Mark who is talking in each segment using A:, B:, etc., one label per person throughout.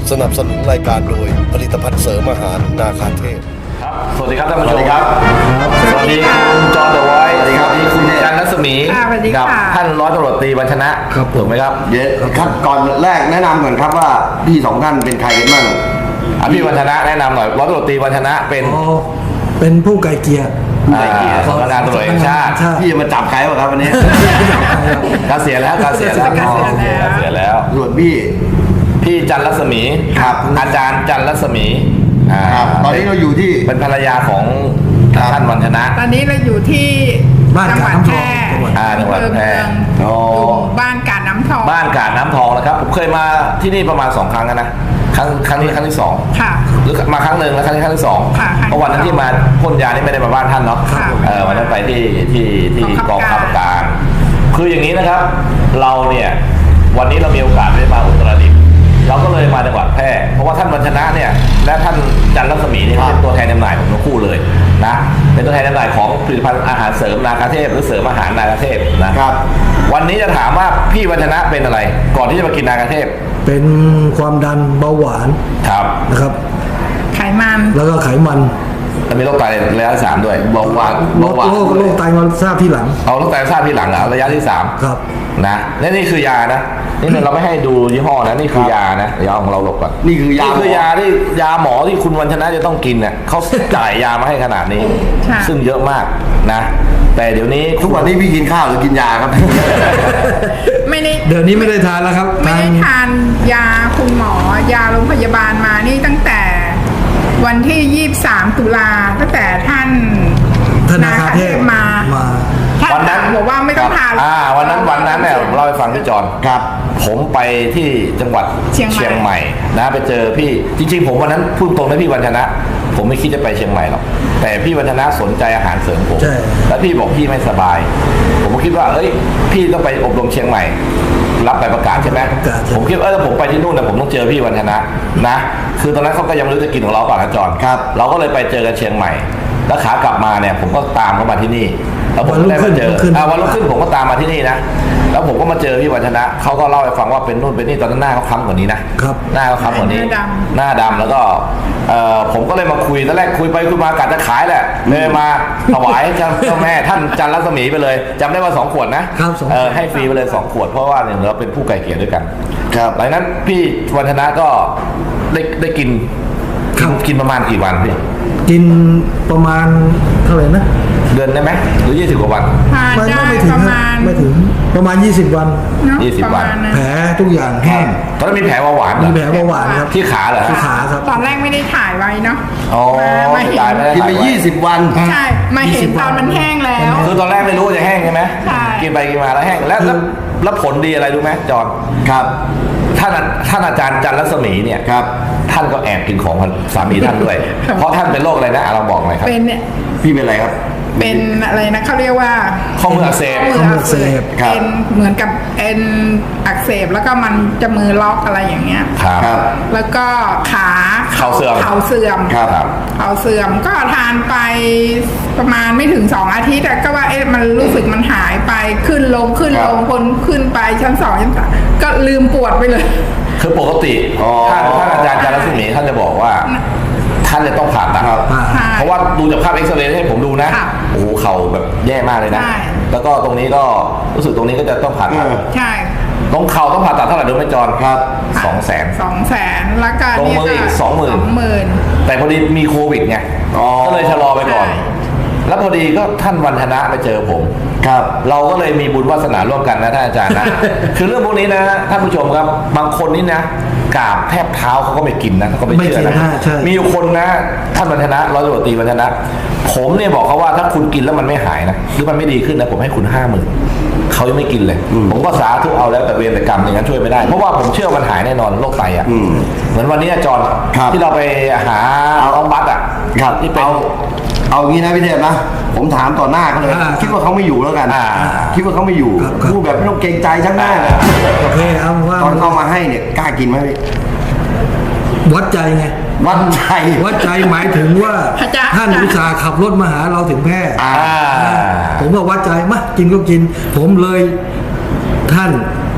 A: สนับสนุนรายการโดยผลิตภัณฑ์เสริมอาหารนาคาเทพ
B: ครับสวัสดีครับท่านผู้ชมครับสวัสดีคุณจอห์นเดอะไวท์สวัสดีครับคุณจันทร์รัศมีกับท่านร้อยตำรวจตรีวัญชนะครับถูกไหมครับ
C: เดี๋ยวครับก่อนแรกแนะนำก่อนครับว่าพี่สองท่านเป็นใครกันบ้าง
B: พี่วัญชนะแนะนำหน่อยร้อยตำรวจตรีวัญชนะ
D: เป็นผู้ไกลเกลี่ย
B: สำนักงานตำรวจแห่งชาติ
C: พี่จะมาจับใครวะครับวันนี้
B: เกษียณแล้ว
C: ส่วนพี่
B: จันทร์รัศมี
C: ครับ
B: อาจารย์จันทร์รัศมี
C: ครับตอนนี้เราอยู่ที่
B: เป็นภรรยาของท่านวัญชนะ
E: ตอนนี้เราอยู่ที่จังหวัดแพร่
B: จังหวัดแพร่
E: บ้านกาดน้ำทอง
B: นะครับผมเคยมาที่นี่ประมาณ2 ครั้งนะครั้งนี้ครั้งที่2
E: ค่ะ
B: หรือมาครั้งหนึ่งแล้วครั้งที่2เพราะวันนั้นที่มาพ่นยานี่ไม่ได้มาบ้านท่านเนาะวันนั้นไปที่กองทัพการ คืออย่างนี้นะครับเราเนี่ยวันนี้เรามีโอกาสได้มาอุตรดิตถ์เราก็เลยมาจังหวัดแพร่เพราะว่าท่านวัญชนะเนี่ยและท่านจันทร์รัศมีเนี่ยเป็นตัวแทนจำหน่ายของทั้งคู่เลยนะเป็นตัวแทนจำหน่ายของผลิตภัณฑ์อาหารเสริมนาคาเทพหรือเสริมอาหารนาคาเทพนะครับวันนี้จะถามว่าพี่วัญชนะเป็นอะไรก่อนที่จะมากินนาคาเทพ
D: เป็นความดันเบาหวาน
B: ครับ
D: นะครับ
E: ไขมัน
D: แล้วก็ไขมัน
B: มีโรคไตระยะที่3ด้วยเบาหวาน
D: โรคไตมาทราบที่หลัง
B: โรคไตทราบที่หลังระยะที่3
D: ครับ
B: นะนี่คือยานะนี่เราไม่ให้ดูยี่ห้อนะนี่คือยานะยาของเราหลบก่อน
C: นี่คือยา
B: ที่ยาหมอที่คุณวัญชนะจะต้องกินเนี่ยเขาจ่ายยามาให้ขนาดนี้ซึ่งเยอะมากนะแต่เดี๋ยวนี้
C: ทุกวันนี้พี่กินข้าวหรือกินยาครับ
E: ไม่ได้
D: เดี๋ยวนี้ไม่ได้ทานแล้วครับ
E: ไม่ได้ทานยาคุณหมอยาโรงพยาบาลมานี่ตั้งแต่วันที่23 ตุลาตั้งแต่ท่าน
D: นาคาเทพมา
B: วันนั้น
E: บอกว่าไม่ต้องทาน
B: วันนั้นเนี่ยเล่าให้ฟังพี่จอน
C: ครับ
B: ผมไปที่จังหวัดเชียงใหม่นะไปเจอพี่จริงๆผมวันนั้นพูดตรงนะพี่วัญชนะผมไม่คิดจะไปเชียงใหม่หรอกแต่พี่วัญชนะสนใจอาหารเสริมผมแล้วพี่บอกพี่ไม่สบายผมก็คิดว่าเอ้ยพี่ต้องไปอบรมเชียงใหม่รับใบประกาศใช่ไหมผมคิดว่าถ้าผมไปที่นู่นนะผมต้องเจอพี่วัญชนะนะคือตอนนั้นเขาก็ยังไม่รู้จะกินของเราก่อนนะจอน
C: ครับ
B: เราก็เลยไปเจอกันเชียงใหม่แล้วขากลับมาเนี่ยผมก็ตามเขามาที่นี่แล้วผมได้มาเจอวันรุ่งขึ้นผมก็ตามมาที่นี่นะแล้วผมก็มาเจอพี่วัญชนะเขาก็เล่าให้ฟังว่าเป็นนู่นเป็นนี่ตอนนั้นหน้าเขาค้ำกว่านี้นะครับหน้าเขาค้ำกว่านี้หน้าดำแล้วก็ผมก็เลยมาคุยตอนแรกคุยไปคุยมากะจะขายแหละเลยมาถวายเจ้าแม่ท่านจันทร์รัศมีไปเลยจำได้ว่า2 ขวดนะให้ฟรีไปเลย2 ขวดเพราะว่าเนี่ยเราเป็นผู้ไกลเกลี่ยด้วยกัน
C: ครับ
B: หลังนั้นพี่วัญชนะก็ได้กินประมาณกี่วันพี่
D: กินประมาณเท่าไหร่นะ
B: เดือนได้ไหมหรือ20 กว่าวัน
D: ไม่ถึงประมาณ20 วัน
B: 20 วัน
D: แผลทุกอย่างแห้ง
B: ตอนนั้นมีแผลเบาหวาน
D: มีแผลเบาหวานครับ
B: ที่ขาเหรอ
D: ที่ขาครับ
E: ตอนแรกไม่ได้ถ่ายไว้เนาะ
B: มาเห็น
C: กินไป20 วัน
E: ใช่มาเห็นตอนมันแห้งแล้ว
B: คือตอนแรกไม่รู้จะแห้งใช่ไหมกินไปกินมาแล้วแห้งแล้วผลดีอะไรรู้ไหมจอน
C: ครับ
B: ท่านอาจารย์จันทร์รัศมีเนี่ย
C: ครับ
B: ท่านก็แอบกินของสามีท่านด้วยเพราะท่านเป็นโรคอะไรนะเราบอกหน่อยครับ
E: เป็นเนี่ย
C: พี่เป็นอะไรครับ
E: เป็นอะไรนะเขาเรียกว่า
B: ข้อมืออักเสบ
E: เป็นเหมือนกับเอ็นอักเสบแล้วก็มันจะมือล็อกอะไรอย่างเงี้ย
B: ครับ
E: แล้วก็เข่าเสื่อมก็ทานไปประมาณไม่ถึง2 อาทิตย์ก็ว่ามันรู้สึกมันหายไปขึ้นลงคนขึ้นไปชั้น2ชั้น3ก็ลืมปวดไปเลย
B: คือปกติท่านอาจารย์จันทร์รัศมีท่านจะบอกว่าท่านจะต้องผ่าตัดเพราะว่าดูจากภาพเอ็กซเรย์ให้ผมดูนะโอ้โหเข่าแบบแย่มากเลยนะแล้วก็ตรงนี้ก็รู้สึกตรงนี้ก็จะต้องผ่าตัด
E: ใช่
B: ตรงเข่าต้องผ่าตัดเท่าไหร่ดูไหมจอน
C: ครับ
E: 200,000แล้วก็
B: ตรงมืออีก20,000แต่พอดีมีโควิดไงก็เลยชะลอไปก่อนแล้วพอดีก็ท่านวัญชนะไปเจอผม
C: ครับ
B: เราก็เลยมีบุญวาสนาร่วมกันนะท่านอาจารย์นะ คือเรื่องพวกนี้นะท่านผู้ชมครับบางคนนี่นะกราบแทบเท้าเขาก็ไม่กินนะเขาก็ไม่เชื่อนะมีอยู่คนนะท่านวัญชนะร้อยตำรวจตรีวัญชนะผมเนี่ยบอกเขาว่าถ้าคุณกินแล้วมันไม่หายนะหรือมันไม่ดีขึ้นนะผมให้คุณ50,000เขายังไม่กินเลยผมก็สาธุเอาแล้วแต่เวรแต่กรรมอย่างนั้นช่วยไม่ได้เพราะว่าผมเชื่อมันหายแน่นอนโรคไตอ่ะเหมือนวันนี้จอนที่เราไปหาน้องบัสอ่ะที่เป็น
C: เอางี้นะพี่เทพนะผมถามต่อหน้าเขาเลยคิดว่าเขาไม่อยู่แล้วกันคิดว่าเขาไม่อยู่พูดแบบไม่ต้องเกรงใจช่างหน้าเลย
D: โอเคครับว่า
C: ตอนเอามาให้เนี่ยกล้ากินไหมพี่
D: วัดใจไง
C: วัดใจ
D: หมายถึงว่าท่านอุตส่าห์ขับรถมาหาเราถึงแพร่ผมก็วัดใจมากินก็กินผมเลยท่าน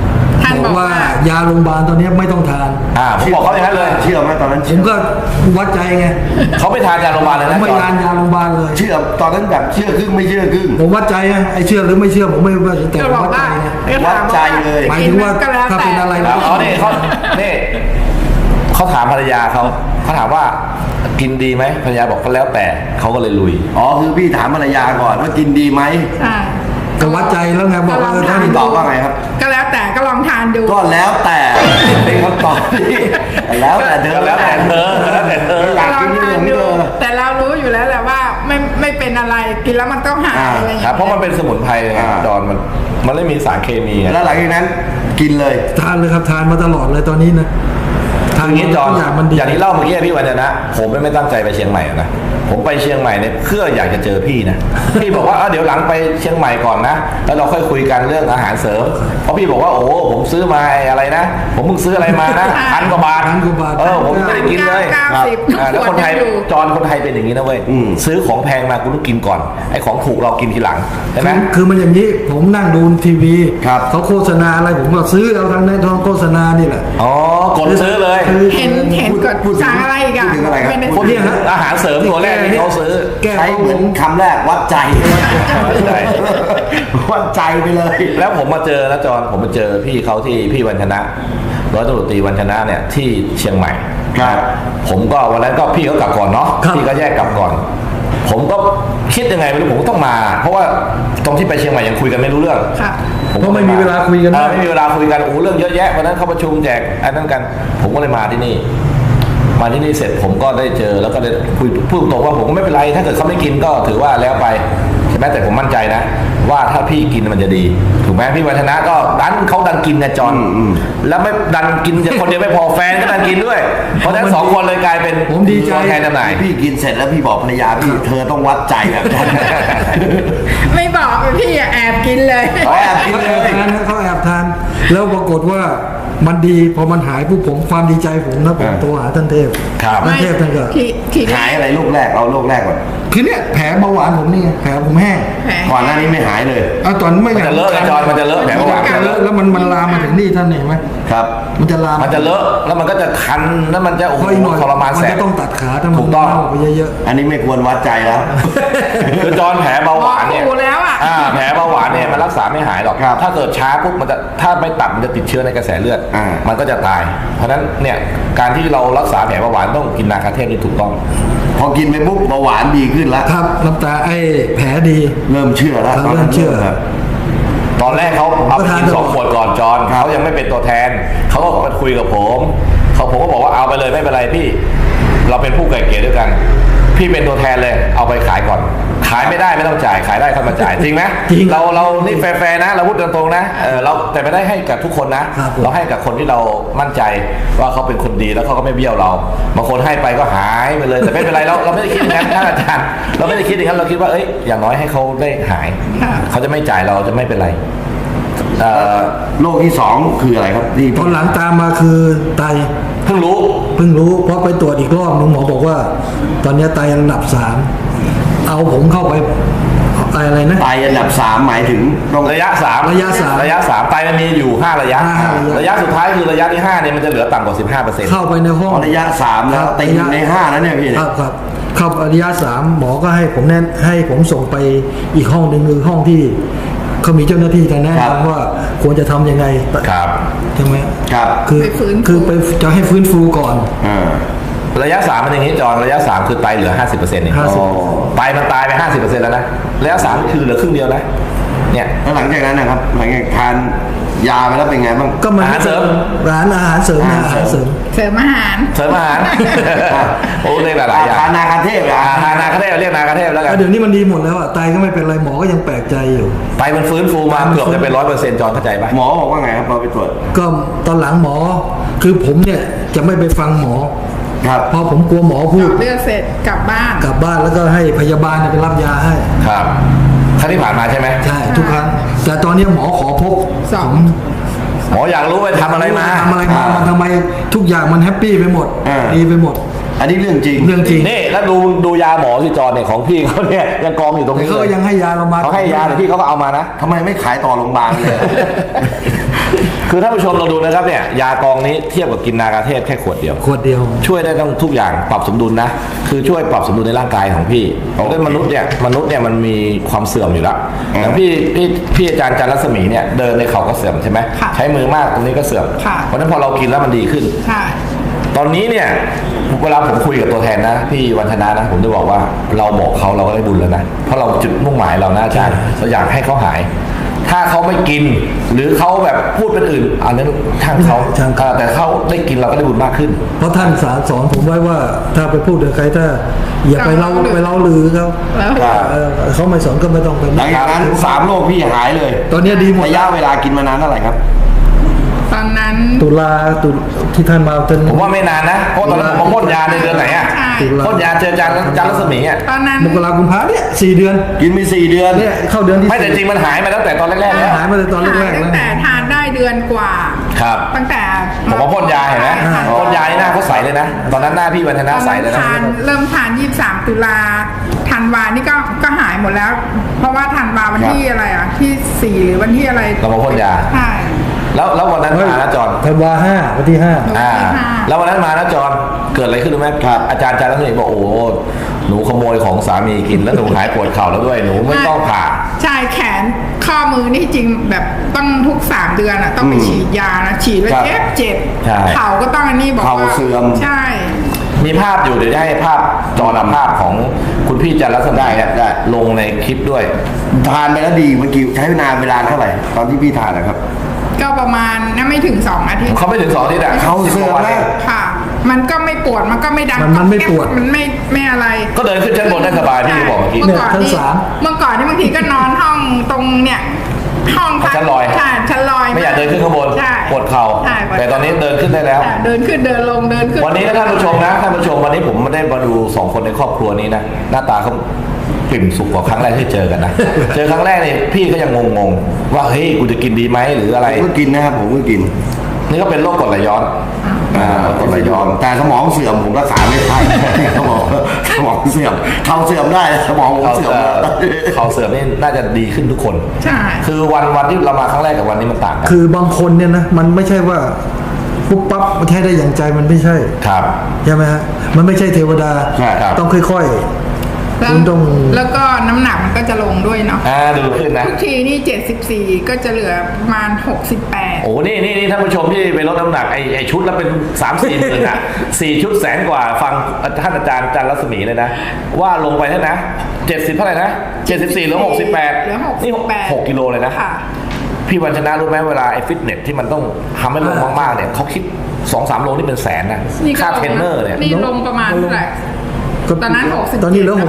E: ท่าน
D: บบ อ
E: อก ก
D: ว่า
E: ว่า
D: ยาโรงพยาบาลตอนนี้ไม่ต้องทาน
B: ผมบอกเขาอย่างนั้นเลย
C: เชื่อไหมตอนนั้น
D: ผ
C: เชื่
D: ม
C: อ
D: ก็วัดใจไง
B: เขาไม่ทานยาโรงพยาบาลเลย
D: ผม
B: นะ
D: ไม่
B: จอ
D: ทานยาโรงพยาบาลเลย
C: เชื่อตอนนั้นแบบเชื่อครึ่งไม่เชื่อครึ่ง
D: ผมวัดใจไงไอ้เชื่อหรือไม่เชื่อผมไม่ว่าแต่
E: ก็
D: ผม
E: บอก
D: วัดใจ
E: ว่า
D: ไง
C: วัดใจเลย
D: หมายถึงว่าถ้าเป็นอะไร
B: ครับอ๋อนี่เขาถามภรรยาเขาถามว่ากินดีไหมภรรยาบอกก็แล้วแต่เขาก็เลยลุย
C: อ๋อคือพี่ถามภรรยาก่อนว่ากินดีไหม
E: ใช่
D: ก็วัดใจแล้วไงบอกว่าถ้า
C: พี่ตอบว่าไงครับ
E: ก็แล้วแต่ก็ลองทานดู
C: ก็แล้วแต่เป็นคำตอบที่แล้วแต่เธอ
B: ก็แล้วแต่เธอแล้วแต่เธอ
C: อยากกินนี่อย่างนี้เธอ
E: แต่เรารู้อยู่แล้วแหละว่าไม่เป็นอะไรกินแล้วมันต้องหายอะไรอย่าง
B: ครับ
E: เงี้ย
B: เพราะมันเป็นสมุนไพรไงจอนมันไม่มีสารเคมีไง
C: แล้วหลังจากนั้นกินเลย
D: ทานเลยครับทานมาตลอดเลยตอนนี้นะทาน
B: อย่างนี้จอน
D: ทุกอย่างมันดี
B: อย่างที่เล่าเมื่อกี้พี่วันนะ ผมไม่ตั้งใจไปเชียงใหม่นะผมไปเชียงใหม่เนี่ยเพื่ออยากจะเจอพี่นะ พี่บอกว่าเดี๋ยวหลังไปเชียงใหม่ก่อนนะแล้วเราค่อยคุยกันเรื่องอาหารเสริมเพราะพี่บอกว่าโอ้ผมซื้อมาอะไรนะ ผมเพิ่งซื้ออะไรมานะพันกว่าบาท
D: พันกว่าบาท
B: ผมไม่ได้กินเลย
E: 90
B: แล้วคนไทย
E: ทุกขวดยังอยู่
B: จอนคนไทยเป็นอย่างนี้นะเว้ยซื้อของแพงมาคุณต้องกินก่อนไอ้ของถูกเรากินทีหลังใช่ไหม
D: คือมันอย่างนี้ผมนั่งดูทีวี
C: ครับ
D: เขาโฆษณาอะไรผมก็ซื้อเอาทางในทองโฆษณานี่แหละ
B: อ๋อกดซื้อเลย
E: เห็นกด
C: พูดถึง
E: สั่งอะไรอีกอะ
C: พูดถึงอะไรครับ
E: ม่ด้
B: คนที่อาหารเสริมตัวแรกที่เขาซื้อ
D: แก้
C: ใช้เหมือนคำแรกวัดใจ
B: ใช่
C: วัดใจไปเลย
B: แล้วผมมาเจอนะจอนผมมาเจอพี่เขาที่พี่วันชนะร้อยตำรวจตรีวันชนะเนี่ยที่เชียงใหม่
C: ครับ
B: ผมก็วันนั้นก็พี่เขากลับก่อนเนาะพี่ก็แยกกลับก่อน ผมก็คิดยังไงไม่รู้ผมก็ต้องมา เพราะว่าตรงที่ไปเชียงใหม่ยังคุยกันไม่รู้เรื่อง
E: ค่ะ
D: เพราะไม่มีเวลาคุยกัน
B: ไม่มีเวลาคุยกันเรื่องเยอะแยะวันนั้นเขาประชุมแจกอันนั้นกัน ผมก็เลยมาที่นี่ มาที่นี่เสร็จผมก็ได้เจอแล้วก็ได้คุยพูดตรงว่าผมก็ไม่เป็นไรถ้าเกิดเขาไม่กินก็ถือว่าแล้วไปใช่ไหมแต่ผมมั่นใจนะ ว่าถ้าพี่กินมันจะดีถูกไหมพี่วัฒนะก็เขาดันกินนะจอนแล้วไม่ดันกินคนเดียวไม่พอแฟนก็ดันกินด้วย เพราะฉะนั้นสองคนเลยกลายเป็น
D: ผมดีใจ
B: ตัวแทนจำหน่าย
C: พี่กินเสร็จแล้วพี่บอกภรรยาพี่เธอต้องวัดใจแบบนั้น
E: ไม่บอกพี่อะแอบกินเลย
C: อ๋อแอบกิน
D: เขา
C: เล
D: แอบ
C: ย
D: ทานนะเขาแอบทานแล้วปรากฏว่ามันดีพอมันหายปุ๊บผมความดีใจผมนะผมโทรหาท่านเทพ
B: ครับ
D: ท่านเทพท่านก็
E: ทีแร
C: หาย
E: ก
C: อะไรลูกแรกเอาลูกแรกก่อน
D: คือเนี่ยแผลเบาหวานผมนี่ไงแผลผมแห้ง
E: แผล
C: ก่อนหน้านี้ไม่หายเลย
D: เอาตอนไม่
B: มันจะเลอะไงจอนมันจะเลอะแผลเบาหวาน
D: มันจะเลอะแล้วมันลามมาถึงนี่ท่านเห็นไหม
C: ครับ
D: มันจะลาม
B: มันจะเลอะแล้วมันก็จะคันแล้วมันจะโอ้โห
D: เพราะอีกหน่อย
B: ทรมาน
D: มัน
B: แสบ
D: จะต้องตัดขาถ้ามัน
B: ถูกต้อง
D: เน่าไปเยอะ
C: อันนี้ไม่ควรวัดใจแล้ว
B: คือจอนแผลเบาหวานเนี่ย
E: หมอดูแล้วอะ
B: แผลเบาหวานเนี่ยมันรักษาไม่หายหรอก
C: ครับ
B: ถ้าเกิดช้าปุ๊บมันจะถ้าไม่ตัดมันจะติดเชื้อในกระแสเลือด มันก็จะตาย เพราะฉะนั้นเนี่ยการที่เรารักษาแผลเบาหวานต้องกินนาคาเทพนี่ถูกต้อง
C: พอกินไปปุ๊บเบาหวานดีขึ้นแล้ว
D: ๆครับน้ำตาแผลดี
C: เริ่มเชื่อแล้ว
D: ครับ
C: ตอนนั้น
D: เริ่มเชื่อ
C: ครับ
B: ตอนแรกเขาเอาไปกิน
D: ก็ทาน
B: 2 ขวดก่อนจอน
C: ครับ
B: เขายังไม่เป็นตัวแทนเขาก็มาคุยกับผมผมก็บอกว่าเอาไปเลยไม่เป็นไรพี่ เราเป็นผู้ไก่เกลี่ยด้วยกัน พี่เป็นตัวแทนเลยเอาไปขายก่อน ขายไม่ได้ไม่ต้องจ่ายขายได้ค่อยมาจ่ายจริงไหม
D: จริง
B: เรานี่แฟร์ๆนะเราพูดตรงๆนะเราแต่ไม่ได้ให้กับทุกคนนะครับ
D: ผม
B: เราให้กับคนที่เรามั่นใจว่าเขาเป็นคนดีแล้วเขาก็ไม่เบี้ยวเราบางคนให้ไปก็หายไปเลยแต่ไม่เป็นไรเราไม่ได้คิดอย่างนั้นท่านอาจารย์เราไม่ได้คิดอย่างนั้นเราคิดว่าอย่างน้อยให้เขาได้หาย เขาจะไม่จ่ายเราจะไม่เป็นไร
C: โรคที่สองคืออะไรครับที่
D: ตอนหลังตามมาคือไต
B: เพิ่งรู้
D: เพิ่งรู้เพราะไปตรวจอีกรอบนึงหมอบอกว่า ตอนนี้ไตอันดับ 3เอาผมเข้าไปอะไรนะ
C: ไตอันดับ 3 หมายถึงต้อง
B: ระยะ 3
D: ระยะสาม
B: ไตมันมีอยู่ 5 ระยะ
D: ห้าระยะ
B: ระยะสุดท้ายคือระยะที่5เนี่ยมันจะเหลือต่ำกว่า 15%
D: เข้าไปในห้อง
C: ระยะ 3 แล้วติดอยู่ใน 5 แล้วเนี่ยพี่
D: ค
C: เนี่ย
D: รับครับเข้าระยะ 3 หมอก็ให้ผมให้ผมส่งไปอีกห้องหนึ่งคือห้องที่เขามีเจ้าหน้าที่แนะนำว่าควรจะทำยังไง
B: ครับ
D: ใช่ไหม
C: ครับ
D: คือ
E: ไปฟื้นฟู
D: คือไปจะให้ฟื้นฟูก่อน
C: อ่า
B: ระยะ 3 มันอย่างนี้จอนระยะ 3 คือไตเหลือ 50%เอง
D: 50
C: อ๋อ
B: ไตมันตายไป 50%แล้วนะระยะ 3 คือเหลือครึ่งเดียวนะเนี่ย
C: แล้วหลังจากนั้นนะครับหลังจากทานยาไปแล้วเป็นไงบ้าง
D: ก็มัน
B: อาหารเสริม
D: ร้านอาหารเสริมนะอาหารเสริม
E: เสริมอาหาร
B: เสริมอาหาร โอ้เรียกหลายๆอย่าง
C: ทานนาคาเทพเหรอ
B: ทานนาคาเทพเรียกนาคาเทพแล้วกัน
D: เดี๋ยวนี้มันดีหมดแล้วอ่ะไตก็ไม่เป็นไรหมอก็ยังแปลกใจอยู่
B: ไตมันฟื้นฟูมาเกือบจะเป็น 100%จอนเข้าใจปะ
C: หมอบอกว่าไงครับเราไปตรวจ
D: ก็ตอนหลังหมอคือผมเนี่ยจะไม่ไปฟังหมอ
C: ครับ
D: เพราะผมกลัวหมอพูด
E: เลือดเสร็จกลับบ้าน
D: กลับบ้านแล้วก็ให้พยาบาลเนี่ยไปรับยาให้
B: ครับครั้งที่ผ่านมาใช่ไหม
D: ใช่ทุกครั้งแต่ตอนนี้หมอขอพบ
E: สอง
D: ผม
B: หมออยากรู้ไปทำอะไรมา
D: ทำอะไรมามันทำไมทุกอย่างมันแฮปปี้ไปหมด
C: อ่า
D: ดีไปหมด
C: อันนี้เรื่องจริง
D: เรื่องจริง
B: นี่แล้วดูยาหมอที่จอนเนี่ยของพี่เขาเนี่ยยังกองอยู่ตรง
D: แต่
B: นี้
D: เขา
B: เล
D: ก็
B: ย
D: ยังให้ยาเรามา
B: เขาให้ยาแต่พี่เขาก็เอามานะ
C: ทำไมไม่ขายต่อโรงพยาบาลเลย
B: คือท่านผู้ชมเราดูนะครับเนี่ยยากองนี้เทียบกับกินนากาเทพแค่ขวดเดียว
D: ขวดเดียว
B: ช่วยได้ต้องทุกอย่างปรับสมดุลนะคือช่วยปรับสมดุลในร่างกายของพี่เพราะมนุษย์เนี่ยมันมีความเสื่อมอยู่แล้วอย่างพี่อาจารย์จันทร์รัศมีเนี่ยเดินในเขาก็เสื่อมใช่ไหมใช้มือมากตรงนี้ก็เสื่อมเพราะฉะนั้นพอเรากินแล้วมันดีขึ้นตอนนี้เนี่ยเวลาผมคุยกับตัวแทนนะพี่วันธนานะผมจะบอกว่าเราบอกเขาเราก็ได้บุญแล้วนะเพราะเราจุดมุ่งหมายเรานะอาจารย์เราอยากให้เขาหายถ้าเขาไม่กินหรือเขาแบบพูดเป็นอื่นอันนั้นช่างเขาแต่เขาได้กินเราก็ได้บุญมากขึ้น
D: เพราะท่านสอนผมไว้ว่าถ้าไปพูดกับใครถ้าอย่าไปเล่าลือเขาไม่สอนก็ไม่ต้องไป
C: หลังจากนั้น3 โรคพี่หายเลย
D: ตอนนี้ดีหมด
C: ระยะเวลากินมานานเท่าไหร่ครับ
E: ตอนนั้น
D: ตุลาที่ท่านมา
B: ผมว่าไม่นานนะเพราะตอนนั้นผมพ่นยาในเดือนไหนอ่ะพ่นยาเจอจันรัศมีอ่ะ
E: ตอนนั้น
D: มกราคมเนี่ย4 เดือน
C: กินไป4 เดือน
D: เนี่ยเข้าเดือนที่
B: ไม่แต่จริงมันหายมาตั้งแต่ตอนแรกๆแล้ว
D: หายมาตั้งแต่ตอนแรกๆแล้ว
E: ตั้งแต่ทานได้เดือนกว่า
B: ครับ
E: ตั้งแต่
B: ผมว่าพ่นยาเห็นไหมพ่นยาหน้าเขาใสเลยนะตอนนั้นหน้าพี่วันธนาใสเลยนะ
E: เริ่มทาน23 ตุลาธันวานี่ก็หายหมดแล้วเพราะว่าธันวาวันที่อะไรอ่ะที่4หรือวันที่อะไร
B: เรามาพ่นยา
E: ใช่
B: แล้ววันนั้นมานะจอน
D: ธันวา5วันที่5
B: แล้ววันนั้นมานะจอนเกิดอะไรขึ้นรู้ไหมครับอาจารย์รัศมีบอกโอ้หนูขโมยของสามีกินแล้วหนูหายปวดเข่าแล้วด้วยหนูไม่ต้องผ่า
E: ใช่แขนข้อมือนี่จริงแบบต้องทุก3 เดือนอ่ะต้องไปฉีดยานะฉีดแล้วเจ็บเข่าก็ต้องอันนี้บอกว่า
C: เข่าเสื่อม
E: ใช่
B: มีภาพอยู่เดี๋ยวจะให้ภาพจอนภาพของคุณพี่จันทร์รัศมีได้ลงในคลิปด้วย
C: ทานไปแล้วดีเมื่อกี้ใช้เวลาเท่าไหร่ตอนที่พี่ทานนะครับ
E: ก็ประมาณไม่ถึง2 อาทิตย์
B: เขาไม่ถึง2 อาทิตย์อ่ะ
C: เขาเสื่อมแล้ว
E: ค่ะมันก็ไม่ปวดมันก็ไม่ดัง
D: มันไม่ปวด
E: มันไม่อะไร
B: ก็เดินขึ้นชั้นบนได้สบายพี่บอกเมื่อกี้
E: เมื่อก่อนนี่บางทีก็นอนห้องตรงเนี่ยห้อง
B: ชั้นลอย
E: ชั้นลอย
B: ไม่อยากเดินขึ้นข้างบนปวดเข่าแต่ตอนนี้เดินขึ้นได้แล้ว
E: เดินขึ้นเดินลงเดินขึ้น
B: วันนี้ท่านผู้ชมนะท่านผู้ชมวันนี้ผมไม่ได้มาดู2 คนในครอบครัวนี้นะหน้าตาเขาปิ่มสุขกว่าครั้งแรกที่เจอกันนะเจอครั้งแรกนี่พี่ก็ยังงงว่าเฮ้ยกูจะกินดีไหมหรืออะไร
C: ผมก็กินนะครับผมก็กิน
B: นี่ก็เป็นโรคกรดไหลย้อน
C: กรดไหลย้อนแต่สมองเสื่อมผมรักษาไม่ได้สมองเสื่อมเขาเสื่อมได้สมองผมเสื่อม
B: เขาเสื่อมนี่น่าจะดีขึ้นทุกคน
E: ใช่
B: คือวันที่เรามาครั้งแรกกับวันนี้มันต่างกัน
D: คือบางคนเนี่ยนะมันไม่ใช่ว่าปุ๊บปั๊บมันแท้ได้อย่างใจมันไม่ใช่
B: ครับ
D: ใช่ไหมฮะมันไม่ใช่เทวดาต้องค่อยๆ
E: แล้วก็น้ำหนักมันก็จะลงด้วยเนาะ
B: ดูขึ้นนะ
E: ทุกทีนี่74ก็จะเหลือประมาณ68
B: โอ้นี่ท่านผู้ชมที่ไปลดน้ำหนักไอชุดแล้วเป็น 3-4 หมื่นอ่ะ4 ชุด100,000 กว่าฟังท่านอาจารย์จันทร์รัศมีเลยนะว่าลงไปเท่านะ70เท่าไหร่นะ74เหลือ68นี่6 กิโลเลยนะพี่วันชนะรู้ไหมเวลาไอฟิตเนสที่มันต้องทำให้ลงมากๆเนี่ยเขาคิด 2-3 โลนี่เป็นแสนนะค่าเทรนเนอร์เนี่ย
E: นี่ลงประมาณเท่าไหร่ตอนนั้น60
D: ตอนนี้เหลือ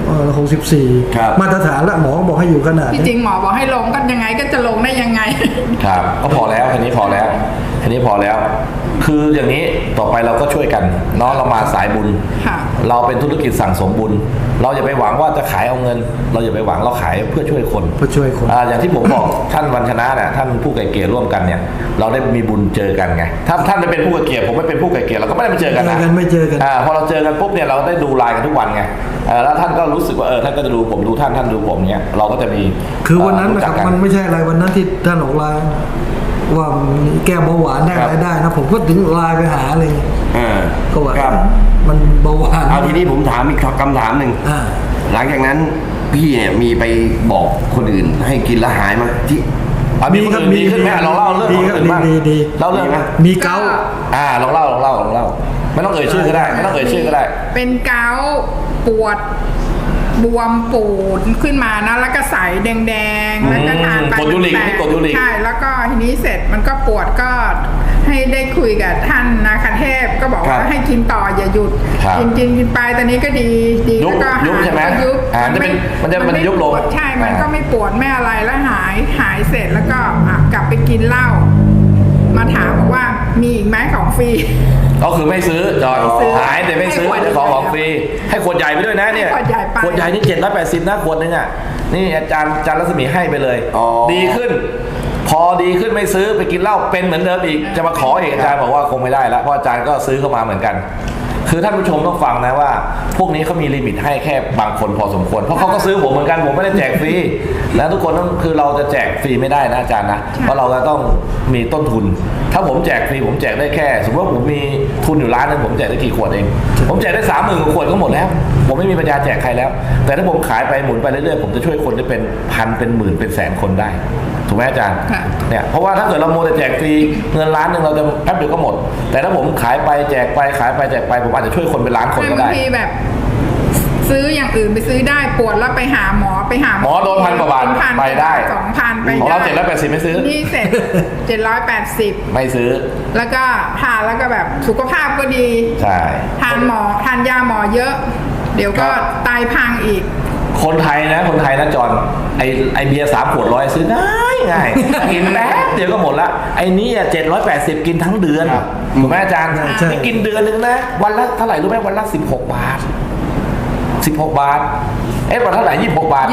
D: 64มาตรฐานละหมอบอกให้อยู่ขนาด
E: จริงหมอบอกให้ลงก็ยังไงก็จะลงได้ยังไง
B: ครับก็พอแล้วทีนี้พอแล้วคืออย่างนี้ต่อไปเราก็ช่วยกันเนาะเรามาสายบุญเราเป็นธุรกิจสั่งสมบุญเราอย่าไปหวังว่าจะขายเอาเงินเราอย่าไปหวังเราขายเพื่อช่วยคนอย่างที่ผมบอกท่านวันชนะเนี่ยท่านผู้ไกลเกลี่ยร่วมกันเนี่ยเราได้มีบุญเจอกันไงถ้าท่านไม่เป็นผู้ไกลเกลี่ยผมไม่เป็นผู้ไกลเกลี่ยเราก็ไม่ได้มาเจอกันนะ
D: ไม่เจอกัน
B: พอเราเจอกันปุ๊บเนี่ยเราได้ดูไลน์กันทุกวันไงแล้วท่านก็รู้สึกว่าท่านก็จะดูผมดูท่านดูผมเนี่ยเราก็จะมี
D: คือวันนั้นนะครับมันไม่ใช่อะไรวันนั้นที่ท่านออกไลน์ว่าแก้เบาหวานได้อะไรได้นะผมก็ถึงไลน์ไปหาเลยก็ว่ามันเบาหวาน
C: เอาทีนี้ผมถามอีกคำถามหนึ่งหลังจากนั้นพี่เนี่ยมีไปบอกคนอื่นให้กินแล้วหายมาที่
B: มีขึ้นไหมลองเล่าเรื่องของอื่นบ้างเล่าเรื่อง
D: มีเกา
B: ลองเล่าไม่ต้องเอ่ยชื่อก็ได้
E: เป็นเกาปวดบวมปูดขึ้นมานะแล้วก็ใสแดงๆแล้วก็ทานไป
B: กดยูริก
E: ใช่แล้วก็ทีนี้เสร็จมันก็ปวดก็ให้ได้คุยกับท่านนาคเทพก็บอกว่าให้กินต่ออย่าหยุดกินไปตอนนี้ก็ดีแล้วก็
B: ยุบใช่ไหมมันจะยุบลง
E: ใช่มันก็ไม่ปวดไม่อะไรแล้วหายเสร็จแล้วก็กลับไปกินเหล้ามาถามบอกว่ามีอีกไหมของฟรี
B: ก็คือไม่ซื้อจอยหายแต่ไม่ซื้อจะของฟรีให้ขวดใหญ่ไปด้วยนะเนี่ยขวดใหญ่นี่780นะขวดนึงอ่ะนี่อาจารย์รัศมีให้ไปเลยดีขึ้นพอดีขึ้นไม่ซื้อไปกินเหล้าเป็นเหมือนเดิมอีกจะมาขออีกอาจารย์บอกว่าคงไม่ได้แล้วเพราะอาจารย์ก็ซื้อเข้ามาเหมือนกันคือท่านผู้ชมต้องฟังนะว่า พวกนี้เขามีลิมิตให้แค่บางคนพอสมควรเพราะเขาก็ซื้อผมเหมือนกันผมไม่ได้แจกฟรีแล้วทุกคนต้องคือเราจะแจกฟรีไม่ได้นะอาจารย์นะเพราะเราจะต้องมีต้นทุน ถ้าผมแจกฟรีผมแจกได้แค่สมมติว่าผมมีทุนอยู่ล้านนึงผมแจกได้กี่ขวดเองผมแจกได้ 30,000 กว่าขวดก็หมดแล้วผมไม่มีปัญญาแจกใครแล้วแต่ถ้าผมขายไปหมุนไปเรื่อยๆผมจะช่วยคนได้เป็นพันเป็นหมื่นเป็นแสนคนได้ถูกไหมอาจารย์เนี่ยเพราะว่าถ้าเกิดเราโมแต่แจกฟรีเงินล้านนึงเราจะแป๊บเดียวก็หมดแต่ถ้าผมขายไปแจกไปขายไปแจกไปผมอาจจะช่วยคนเป็นล้านคนก็ได้
E: บางทีแบบซื้ออย่างอื่นไปซื้อได้ปวดแล้วไปหาหมอ
B: โดน1,000 กว่าบาทไปได้
E: 2,000 ไป
B: ของเรา780ไม่ซื้อ
E: นี่เสร็จ780
B: ไม่ซื้อ
E: แล้วก็ทานแล้วก็แบบสุขภาพก็ดี
B: ใช่
E: ทานยาหมอเยอะเดี๋ยวก็ไตพังอีก
B: คนไทยนะจอนไอเบียร์3 ขวด 100ซื้อง่ายกินแป๊บเดียวก็หมดละไอ้นี่780กินทั้งเดือนถูกไหมอาจารย์ไม่กินเดือนนึงนะวันละเท่าไหร่รู้ไหมวันละ16 บาท16 บาทวันเท่าไหร่26 บาท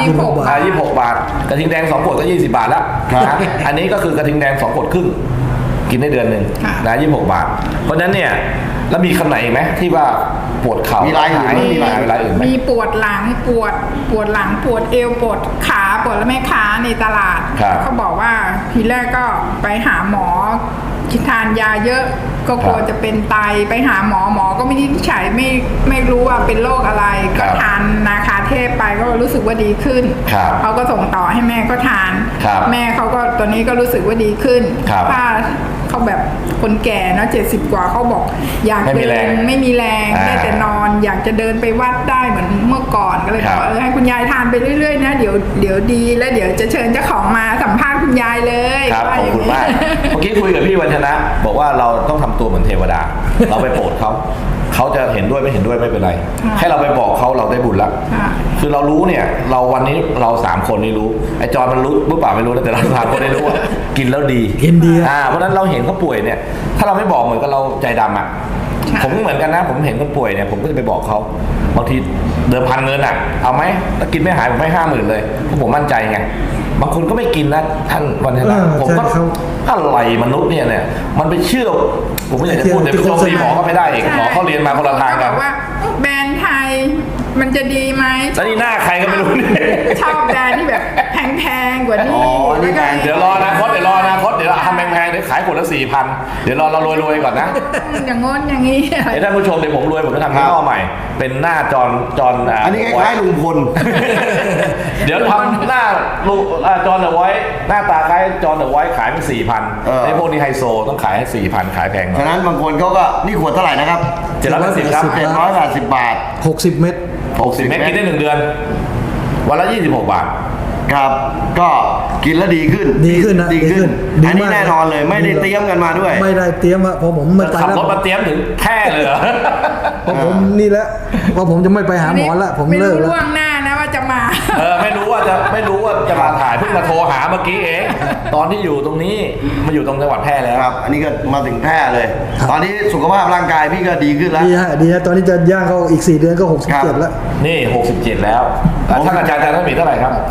B: 26 บาทกระทิงแดง2 ขวดก็20 บาทแล้วนะอันนี้ก็คือกระทิงแดง2 ขวดครึ่งกินได้เดือนนึงนะ26 บาทเพราะฉะนั้นเนี่ยแล้วมีคำไหนอีกไหมที่ว่าปวดเข่ามีอะไรอื่นไหม
E: มีปวดหลังปวดหลังปวดเอวปวดขาปวดแล้วแม่ค้าในตลาดเขาบอกว่าทีแรกก็ไปหาหมอทานยาเยอะก็กลัวจะเป็นไตไปหาหมอก็ไม่ได้ใช้ไม่รู้ว่าเป็นโรคอะไรก็ทานนาคาเทพไปก็รู้สึกว่าดีขึ้นเขาก็ส่งต่อให้แม่ก็ทานแม่เขาก็ตอนนี้ก็รู้สึกว่าดีขึ้นถ้าเขาแบบคนแก่เนาะ70 กว่าเขาบอกอยากเดินไม่มีแรงได้แต่นอนอยากจะเดินไปวัดได้เหมือนเมื่อก่อนก็เลยบอกให้คุณยายทานไปเรื่อยๆนะเดี๋ยวดีแล้วเดี๋ยวจะเชิญเจ้าของมาสัมภาษณ์คุณยายเลย
B: ครับขอบคุณมากเมื่อกี้คุยกับพี่วัฒนะบอกว่าเราต้องทำตัวเหมือนเทวดาเราไปโปรดเขาจะเห็นด้วยไม่เห็นด้วยไม่เป็นไรแค่เราไปบอกเขาเราได้บุญละคือเรารู้เนี่ยเราวันนี้เรา3 คนนี่รู้ไอ้จอนมันรู้หรือเปล่าไม่รู้แต่เรา3 คนได้รู้ว่ากินแล้วดีเพราะฉะนั้นเราเห็นเขาป่วยเนี่ยถ้าเราไม่บอกเหมือนกับเราใจดำอ่ะผมเหมือนกันนะผมเห็นคนป่วยเนี่ยผมก็จะไปบอกเขาบางทีเดิมพันเงินอ่ะเอาไหมถ้ากินไม่หายผมให้50,000เลยเพราะผมมั่นใจไงบางคนก็ไม่กินนะท่านวันนี้ผมก็อะไรมนุษย์เนี่ยมันไปเชื่อผมไม่อยากจะพูดแต่ผู้ชมตีหมอก็ไม่ได้เองหมอเขาเรียนมาคนละทางกัน
E: ว่าแบรนด์ไทยมันจะดีไหม
B: แล้วนี่หน้าใครก็ไม่รู้
E: ชอบแบรนด์ที่แบบแพงๆกว่านี้
B: เดี๋ยวรออนาคตเดี๋ยวเราทำแพงๆเดี๋ยวขายขวดละ 4,000 เดี๋ยวเรารวยๆก่อนนะ
E: อย่างงนอย่างนี้
B: ท่านผู้ชมเดี๋ยวผมรวยผมจะทำยี่ห้อใหม่เป็นหน้าจอน
C: อันนี้คล้ายลุงพล
B: เดี๋ยวทำหน้าจอนเดอะไว้หน้าตาคล้ายจอนเดอะไว้ขายเป็น 4,000 ไอ้พวกนี้ไฮโซต้องขายให้ 4,000 ขายแพง
C: ฉะนั้นบางคนเขาก็นี่ขวดเท่าไหร่นะครับ
B: 780ครับ
C: 780 บาท
D: 60 เม็ด
B: กินได้1 เดือนวันละ26 บาท
C: ครับก็กินแล้วดีขึ้นนะดีขึ้นอันนี้แน่นอนเลยไม่ได้เตรียมกันมาด้วย
D: ไม่ได้เตรียมอะพอผมไม่ไป
B: ขับรถมาเตรียมถึงแค่เลยเหรอ
D: พอผมนี่แหละพอผมจะไม่ไปหาหมอละผมเลิกแล้ว
E: ไม่รู้ล่วงหน้านะว่าจะมา
B: ไม่รู้ว่าจะมาถ่ายเพิ่งมาโทรหาเมื่อกี้เองตอนที่อยู่ตรงนี้มาอยู่ตรงจังหวัดแพร่แล้ว
C: ครับอันนี้ก็มาถึงแพร่เลยตอนนี้สุขภาพร่างกายพี่ก็ดีขึ้นแล้ว
D: ดีฮะตอนนี้จะย่างเข้าอีก4 เดือนก็67แล้ว
B: นี่67แล้วท่านอาจารย์ท่านมีเท่าไหร่ครับ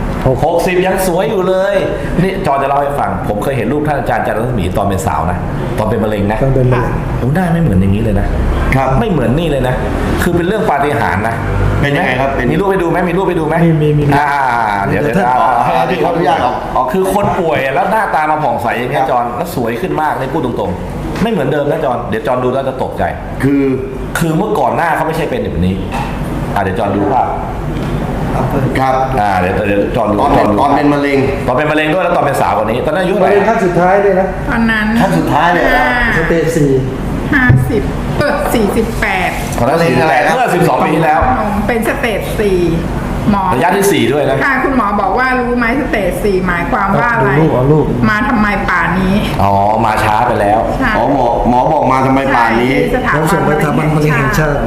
B: 60ยังสวยอยู่เลยนี่จอจะเล่าให้ฟังผมเคยเห็นรูปท่านอาจารย์จันทรัศมีตอนเป็นสาวนะตอนเป็นมะเร็งนะ
D: ตอนเป็นมะเร็ง
B: หน้าไม่เหมือนอย่างนี้เลยนะครับไม่เหมือนนี่เลยนะคือเป็นเรื่องปาฏิหาริย์นะ
C: เป็นยังไงครับ
B: มีรูปไปดูไหมมีเดี๋ยว
C: ที่ขออนุญาต
B: คือคนป่วยแล้วหน้าตามาผ่องใสอย่างนี้จอนแล้วสวยขึ้นมากในพูดตรงๆไม่เหมือนเดิมนะจอนเดี๋ยวจอนดูแล้วจะตกใจคือเมื่อก่อนหน้าเขาไม่ใช่เป็นแบบนี้เดี๋ยวจอนดูภาพ
C: ครับ
B: เดี๋ยวจอนดู
C: ตอนเป็นมะเร็ง
B: ด้วยแล้วตอนเป็นสาวกว่านี้ตอนนั้นอายุเท่าไหร่
D: ขั้นสุดท้ายเลยนะ
E: ตอนนั้น
C: ขั้นสุดท้ายเลย
D: สเตจ
E: 50 48
B: ตอนนั้น48เมื่อ12 ปีที่แล้ว
E: เป็นสเตจ4หมอ
B: ระยะที่4ด้วยนะ
E: ค่ะคุณหมอบอกว่ารู้ไหมสเตจ4หมายความว่าอะไรมาทำไมป่านนี้
B: มาช้าไปแล้ว
C: หมอบอกมาทำไมป่านนี้
D: เขาส่งไปทำมันมะเร็งแห่งชาติ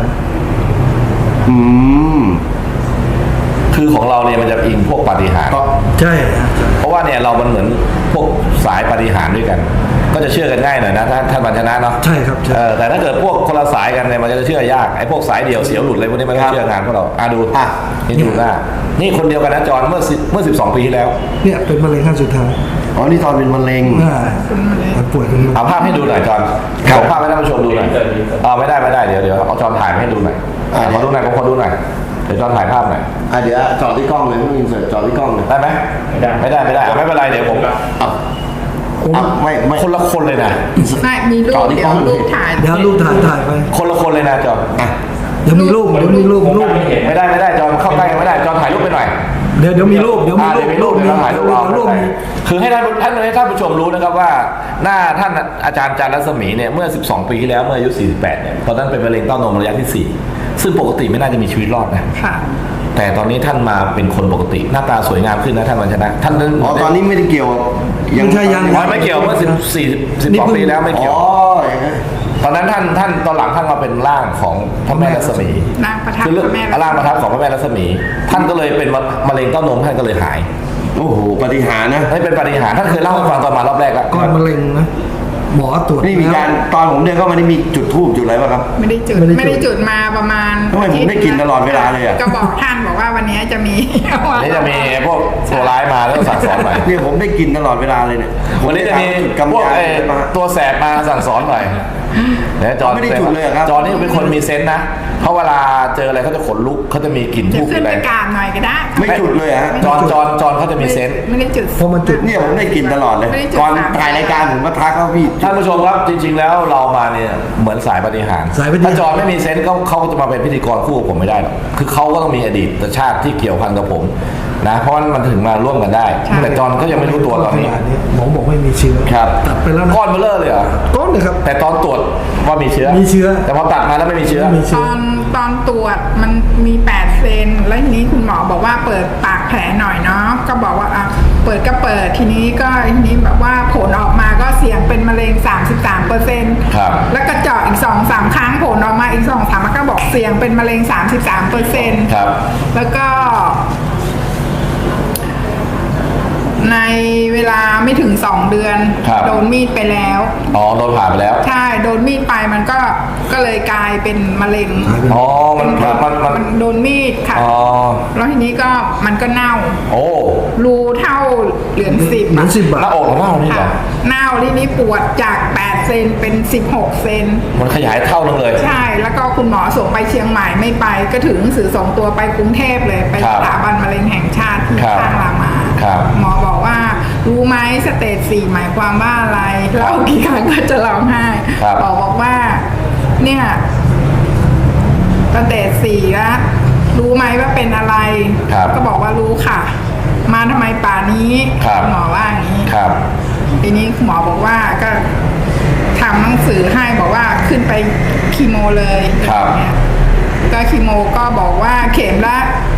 B: คือของเราเนี่ยมันจะอิงพวกปาฏิหาริย์
D: ใช่
B: เพราะว่าเนี่ยเรามันเหมือนพวกสายปาฏิหาริย์ด้วยกันก็จะเชื่อกันง่ายหน่อยนะท่านบัญชนะเนาะ
D: ใช่ครับ
B: แต่ถ้าเกิดพวกคนละสายกันเนี่ยมันจะเชื่อยากไอ้พวกสายเดี่ยวเสียวหลุดอะไรพวกนี้มันก็เชื่องานพวกเราดูนี่ดูหน้านี่คนเดียวกันนะจอนเมื่อ12 ปีที่แล้ว
D: เนี่ยเป็นมะเร็งขั้นสุดท้าย
C: อ๋อนี่ตอนเป็นมะเร็ง
D: มันป่วยกัน
B: เอาภาพให้ดูหน่อยจอน
C: ครับ
B: ส่งภาพให้ท่านผู้ชมดูหน่อยไม่ได้เดี๋ยวเอาจอนถ่ายมาให้ดูหน่อยขอดูหน่อยขอดูหน่อยเดี๋ยวจอนถ่ายภาพหน่อย
C: เดี๋ยวจอดที่กล้องเลยไม่อินเสิร์ตจอดที่กล้องเลย
B: ได้ไหมไม่ได้ไม่เป็นไรเดี๋ยวผม
C: ไม่
B: คนละคนเลยนะ
E: ไม่มีรูปเดี๋ยวรูปถ่าย
D: เดี๋ยวรูปถ่ายไป
B: คนละคนเลยนะจอน
D: เดี๋ยวมีรูป
B: ไม่ได้จอนเข้าใกล้ไม่ได้จอนถ่ายรูปไปหน่อย
D: เดี๋ยวมีรูปเดี๋ยวมีรูป
B: เดี๋ยวถ่ายรูปเอาคือให้ท่านผู้ชมรู้นะครับว่าหน้าท่านอาจารย์จันทร์รัศมีเนี่ยเมื่อ12 ปีที่แล้วเมื่ออายุ48เนี่ยตอนนั้นเป็นมะเร็งเต้านมระยะที่4ซึ่งปกติไม่น่าจะมีชีวิตรอดนะ
E: ค่ะ
B: แต่ตอนนี้ท่านมาเป็นคนปกติหน้าตาสวยงามขึ้นนะท่านวันชนะท่านนั้น
C: ตอนนี้ไม่ได้เกี่ยว
D: ไม่ใช่ยัง
B: ไม่เกี่ยวเมื่อ12 ปีแล้วไม่เกี่ยวตอนนั้นท่านตอนหลังท่านมาเป็นร่างของพระแม่รัศมี
E: ร่างประทับ
B: คือ
E: พระแม่รัศมี
B: ร่างประทับของพระแม่รัศมีท่านก็เลยเป็นมะเร็งเต้านมท่านก็เลยหาย
C: โอ้โหปฏิหารย์นะ
B: ให้เป็นปาฏิหาริย์ท่านเคยเล่าให้ฟังตอนมารอบแรกแล้ว
D: ก้อนมะเร็งนะหมอตรวจ
C: นี่มีการตอนผมเดินเข้ามานี่มีจุดธูปจุดอะไรป่ะครับ
E: ไม่ได้จุดมาประมาณ
C: ทำไมผมได้กลิ่นตลอดเวลาเลยอะ
E: ก็บอกท่านบอกว่าวันนี้จะมี
B: วันนี้จะมีพวกตัวร้ายมาแล้วสั่งสอนหน่อย
C: เนี่ยผมได้กลิ่นตลอดเวลาเลยเนี่ย
B: วันนี้จะมี
C: กำ
B: พวก
C: ยานมา
B: ตัวแสบมาสั่งสอนหน่อยเนี่ยจอน
C: ไม่ได้จุดเลยเหรอครับ
B: จอนนี่เป็นคนมีเซนส์นะเพราะเวลาเจออะไรเขาจะขนลุกเขาจะมีกลิ่น
E: จะ
B: ทูบ
E: ขึ้น
B: อะไร
E: ไปกราบหน่อยก็ได้
C: ไม่จุดเลยฮะ
B: จอนเขาจะมีเซนส์
E: ไม่ได้จุด
D: เพราะมันจุด
C: เนี่ยผมได้กลิ่นตลอดเลย
E: ไม่ได้จุด
C: ก่อนถ่ายรายการผมก็ทักเขาพี่
B: ท่านผู้ชมครับจริง ๆ แล้วเรามาเนี่ยเหมือนสายปฏิหารย์
D: สายปฏิหาริย์
B: ถ้าจอนไม่มีเซนส์เขาก็จะมาเป็นพิธีกรคู่กับผมไม่ได้หรอกคือเขาก็ต้องมีอดีตชาติที่เกี่ยวพันกับผมนะเพราะว่ามันถึงมาร่วมกันได้แต่จอนก็ยังไม่รู้ตัวตอนนี้
D: หมอบอกไม่มีเชื้อ
B: ครับ
D: ตัดไปแล้วนะ
B: ก้อนเบลเลอร์เลยเหรอ
D: ก้อนเลยครับ
B: แต่ตอนตรวจว่ามีเชื้อ
D: มีเชื้อ
B: แต่พอตัดมาแล้วไม่มีเชื้อ
D: ไม่มีเชื้อ
E: ตอนตรวจมันมี8 เซนแล้วทีนี้คุณหมอบอกว่าเปิดปากแผลหน่อยเนาะก็บอกว่าอ่ะเปิดก็เปิดทีนี้แบบว่าผลออกมาก็เสี่ยงเป็นมะเร็ง 33%
B: ครับ
E: แล้วก็เจาะอีก 2-3 ครั้งผลออกมาอีก 2-3 มันก็บอกเสี่ยงเป็นมะเร็ง 33%
B: ครับ
E: แล้วก็ในเวลาไม่ถึง2 เดือน
B: ครับ
E: โดนมีดไปแล้ว
B: อ๋อโดนผ่าไปแล้ว
E: ใช่โดนมีดไปมันก็เลยกลายเป็นมะเร็ง
B: อ๋อมัน
E: มันโดนมีดค่ะ
B: อ๋อ
E: แล้วทีนี้ก็มันก็เน่า
B: โอ้
E: รูเท่าเหรียญ10
D: เหมือน10 บา
B: หน้า
D: ท
B: อกของเรานี่เหร
E: ค่ะ
B: อ
E: เน่าทีนี้ปวดจาก8 เซนเป็น16 เซน
B: มันขยายเท่านึงเลย
E: ใช่แล้วก็คุณหมอส่งไปเชียงใหม่ไม่ไปก็ถึงหนังสือส่งตัวไปกรุงเทพเลยไป
B: ครับ
E: สถาบันมะเร็งแห่งชาติที่
B: ครับ
E: ข้างรามา
B: ครับ
E: หมอบอกว่ารู้ไหมสเตจ4หมายความว่าอะไรเล่ากี่ครั้งก็จะร้องไห้
B: ครับ
E: บอกว่าเนี่ยสเตจ4แล้วรู้ไหมว่าเป็นอะไร
B: ครับ
E: ก็บอกว่ารู้ค่ะ มาทำไมป่านี้
B: ครับ
E: หมอว่าอย่างนี้
B: ครับ
E: ทีนี้หมอบอกว่าก็ทำหนังสือให้บอกว่าขึ้นไปคีโมเลย
B: ครับ
E: อย่างเงี้ยก็คีโมก็บอกว่าเข็มละ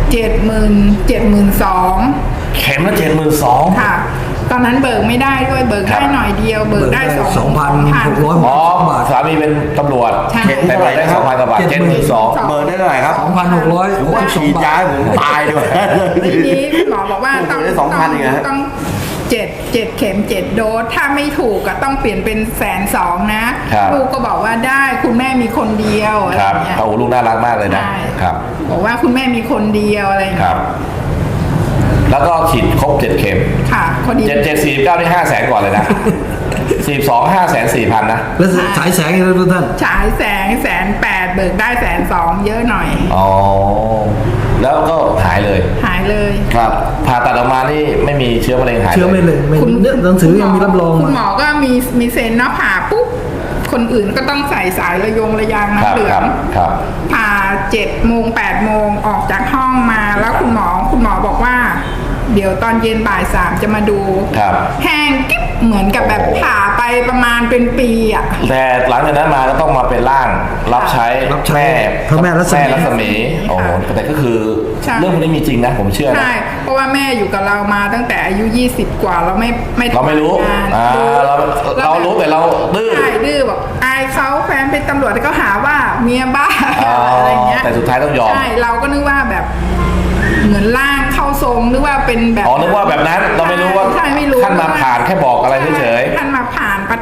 E: 72,000
B: เข็มละ72,000
E: ค่ะ ตอนนั้นเบิกไม่ได้ด้วยเบิก
B: ครั
E: ได้
B: บ
E: หน่อยเดียว เบิกได้
D: 2,600
B: อ๋อสามีเป็นตำรวจ
E: ใช่
B: แต่เบิกได้2,000 กว่าบาท 72,000
C: เบอร์ได้เท่าไหร่ครับ
D: 2,600
C: ฉีดยาให้ผมตายด้วย
E: ทีนี้คุณหมอบอกว่าต้อง
C: ได้2,000เองเหรอฮะ
E: ต้อง7 เข็ม 7 โดสถ้าไม่ถูกก็ต้องเปลี่ยนเป็น120,000นะครับ ลูกก็บอกว่าได้คุณแม่มีคนเดียวอะไร
B: ครับ
E: เงี้ย
B: โอ้โหลูกน่ารักมากเลยนะ
E: ใช่
B: ครับ
E: บอกว่าคุณแม่มีคนเดียวอะไร
B: ค
E: เงี้
B: รั
E: ย
B: บ แล้วก็ฉีดครบ7 เข็ม
E: ค่ะพอดี
B: 749นี่500,000ก่อนเลยนะ42 504,000นะ
D: แล้วฉายแสงอีกแล้วทุกท่าน
E: ฉายแสง180,000เบิกได้120,000เยอะหน่อย
B: อ๋อ แล้วก็หายเลย
E: หายเลย
C: ครับ
B: ผ่าตัดออกมานี่ไม่มีเชื้อมะเร็งหาย
D: เชื้อไม่เลยไม่เนี่ยหนังสือยังมีรับรอง
E: คุณหมอ
D: มา
E: ก็มีเซ็นเนาะผ่าปุ๊บคนอื่นก็ต้องใส่สายระยาง
B: ครั
E: น้ำ
B: บ
E: เหลือ
B: ครั
E: ง
B: บครับ
E: ผ่า7 โมง 8 โมงออกจากห้องมาแล้วคุณหมอบอกว่า เดี๋ยวตอนเย็นบ่าย 3จะมาดู
B: ครับ
E: แห้งกิ๊บเหมือนกับแบบผ่าไปประมาณเป็นปีอ่ะ
B: แต่หลังจากนั้นมาก็ต้องมาเป็นร่างรับใช้
D: รับใช้
B: แม่
D: พระแม่รัศมี
B: รัศมีโอ้โหแต่ก็คือ
E: ใช่
B: เรื่องพวกนี้มีจริงนะผมเชื่อนะ
E: ใช่เพราะว่าแม่อยู่กับเรามาตั้งแต่อายุ20 กว่าเราไม่
B: เราไม่รู้
E: ทำงาน
B: เรารู้แต่เราดื้อ
E: ใช่ดื้อบอกอายเขาแฟนเป็นตำรวจก็หาว่าเมียบ้า
B: อ๋ออ
E: อะไรเงี้ย
B: แต่สุดท้ายต้องยอม
E: ใช่เราก็นึกว่าแบบเหมือนร่างเข้าทรงนึกว่าเป็นแบบ
B: อ๋อนึกว่าแบบนั้นเราไม่รู้ว่า
E: ใช่ไม่รู้
B: ท่านมาผ่านแค่บอกอะไรเฉย
E: ท่านมาผ่านประทับอะไร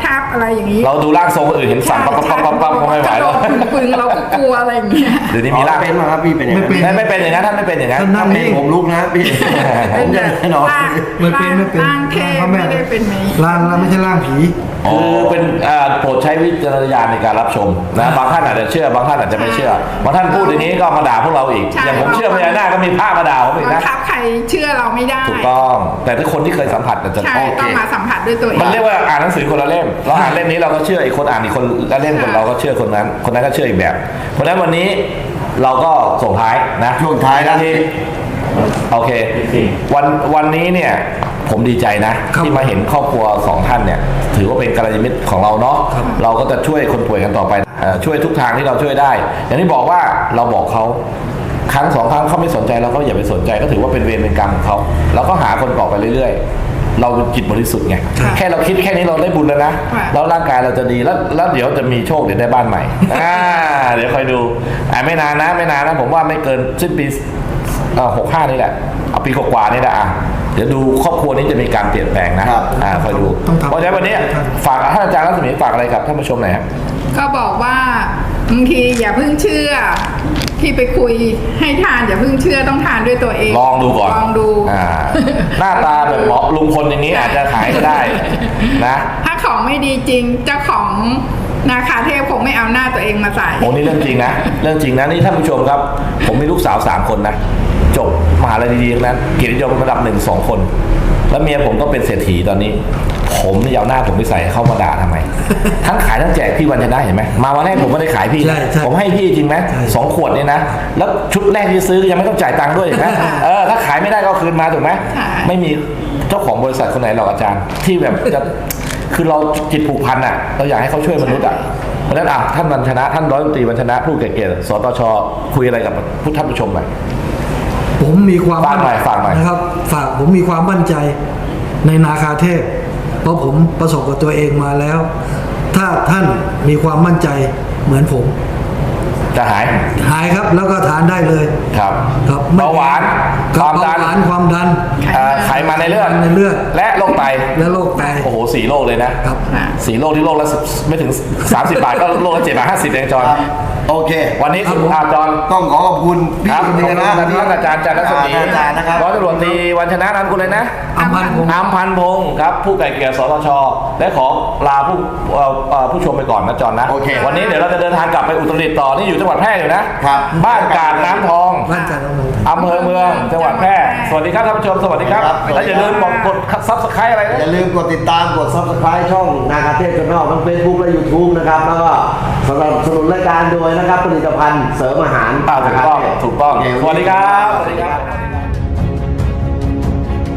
E: อย่างนี้
B: เราดูร่างทรงคนอื่นเห็นสั่นปั๊บก็ไม่ไหวแล้ว
E: ปึงเราก็กลัวอะไรอย่างเงี้ย
B: เดี๋ยวนี้มีร่าง
C: เป็นมาครับพี่เป็นอย่างนั้น
B: ไม่เป็นอย่างนั้นท่านไม่เป็นอย่างนั้น
D: ท่านนั่งนิ่ง
C: ผมลุกนะพี่ผมจะแน่นอน
D: ไม่เป็น
E: ร่างเทพไม่ได้เป็นไหม
D: ร่างไม่ใช่ร่างผี
B: คือเป็นโปรดใช้วิจารณญาณในการรับชมนะบางท่านอาจจะเชื่อบางท่านอาจจะไม่เชื่อบางท่านพูดอย่างนี้ก็มาด่าพวกเราอีกอย่างผมเชื่อพญานาคก็มีภาพมาด่าผมอีก
E: บั
B: นะ
E: งคับใครเชื่อเราไม่ได้
B: ถูกต้องแต่ถ้าคนที่เคยสัมผัสจะ
E: ใช่
B: โอเค
E: ต้องมาสัมผัสด้วยตัวเอง
B: มันเรียกว่าอ่านหนังสือคนละเล่มเราอ่านเล่มนี้เราก็เชื่ออีกคนอ่านอีกคนละเล่มคนเราก็เชื่อคนนั้นก็เชื่ออีกแบบ เพราะฉะนั้นวันนี้เราก็ส่งท้ายนะ
C: ช่วงท้ายนะ
B: ที่โอเควันนี้เนี่ยผมดีใจนะ ที่มาเห็นครอบครัวสองท่านเนี่ยถือว่าเป็นกัลยาณมิตรของเราเนาะเราก็จะช่วยคนป่วยกันต่อไปช่วยทุกทางที่เราช่วยได้ อย่างที่บอกว่าเราบอกเขาครั้งสองครั้งเขาไม่สนใจเราก็อย่าไปสนใจก็ถือว่าเป็นเวรเป็นกรรมของเขาเราก็หาคนต่อไปเรื่อยๆเราจิตบริสุทธิ์ไงแค่เราคิดแค่นี้เราได้บุญแล้วนะแล้วร่างกายเราจะดีแล้วเดี๋ยวจะมีโชคเดี๋ยวได้บ้านใหม่เดี๋ยวคอยดูไม่นานนะผมว่าไม่เกินสิ้นปี65นี่แหละเอาปีกว่าๆนี่แหละเดี๋ยวดูครอบครัวนี้จะมีการเปลี่ยนแปลงนะคอยดูเพราะฉะนั้นวันนี้ฝากท่านอาจารย์รัศมีฝากอะไรกับท่านผู้ชมหน่อยครับ
E: ก็บอกว่าบางทีอย่าเพิ่งเชื่อที่ไปคุยให้ทานอย่าเพิ่งเชื่อต้องทานด้วยตัวเอง
B: ลองดูก่อน
E: ลองดู
B: หน้าตาแบบหมอลุงพลอย่างนี้อาจจะขายก็ได้นะ
E: ถ้าของไม่ดีจริงเจ้าของนาคาเทพคงไม่เอาหน้าตัวเองมาใส่
B: โอ้นี่เรื่องจริงนะเรื่องจริงนะนี่ท่านผู้ชมครับ ผมมีลูกสาว3 คนนะจบมหาลัยดีๆทั้งนั้นเกียรตินิยมระดับ1-2 คน แล้วเมียผมก็เป็นเศรษฐีตอนนี้ ผมนี่เอาหน้าผมไปใส่เข้ามาด่าทำไม ทั้งขายทั้งแจกพี่วันชนะเห็นไหมมาวันแรกผมไม่ได้ขายพี่
D: ใช่
B: ผมให้พี่จริงไหม2 ขวดเนี่ยนะแล้วชุดแรกที่ซื้อยังไม่ต้องจ่ายตังค์ด้วยเห็นไหมถ้าขายไม่ได้ก็คืนมาถูกไหมไม่มีเจ้าของบริษัทคนไหนหรอกอาจารย์ที่แบบจะคือเราจิตผูกพันอ่ะเราอยากให้เขาช่วยมนุษย์อ่ะเพราะฉะนั้นท่านวันชนะท่านร้อยตรีวันชนะผู้เก่งๆสตชคุยอะไรกับผู้ท่านผู้ชมหน่อย
D: ผมมีความ
B: ฝากหน่อย
D: นะครับผมมีความมั่นใจในนาคาเทพ เพราะผมประสบกับตัวเองมาแล้ว ถ้าท่านมีความมั่นใจเหมือนผม
B: จะหาย
D: หายครับแล้วก็ทานได้เลย
B: ครับ
D: ครับ
B: เบาหวาน
D: ครับ
B: ความดัน
D: เบาหวานความดัน
B: ไขมันในเลือด
D: ในเลือด
B: และโรคไต
D: และโรคไต
B: โอ้โห4 โรคเลยนะครับ 4 โรคที่โรคละไม่ถึง30 บาทก็โรคละ7 บาท 50เองจอน
C: โอเค
B: วันนี้สุภาพจอน
C: ต้องขอขอบคุณพี่
B: ครับ
C: คุณ
B: ขอบคุณ
C: นะ
B: ท่านอาจารย์จันทร์รัศมี
C: อาจารย์นะครับ
B: ร้อยตำรวจตรีวันชนะนามคุณเลยนะ
D: อัมพันธ์พงษ์
B: อำพันธ์พงศ์ครับผู้ไก่เกลี่ยสตชและขอลาผู้ชมไปก่อนนะจอนนะ
C: โอเค
B: วันนี้เดี๋ยวเราจะเดินทางกลับไปอุตรดิตถ์ต่อนี่อยู่จังหวัดแพร่อยู่นะครับ บ้านกาดน้ำทอง
D: บ้านจันทร์
B: อำเภอเมืองจังหวัดแพร่สวัสดีครับท่านผู้ชมสวัสดีครับ
C: ครับ
B: และอย่าลืมกดซับสไครต์อะไรนะ
C: อย่าลืมกดติดตามกด Subscribe ช่องนาคาเทพชาแนลทั้ง Facebook และ YouTube นะครับแล้วก็สนับสนุนรายการโดยนะครับผลิตภัณฑ์เสริมอาหาร
B: ถูกต้อง
C: โเค
B: สวัสดีครับสวัสดีครับ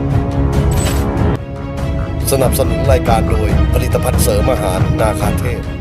A: สนับสนุนรายการโดยผลิตภัณฑ์เสริมอาหารนาคาเทพ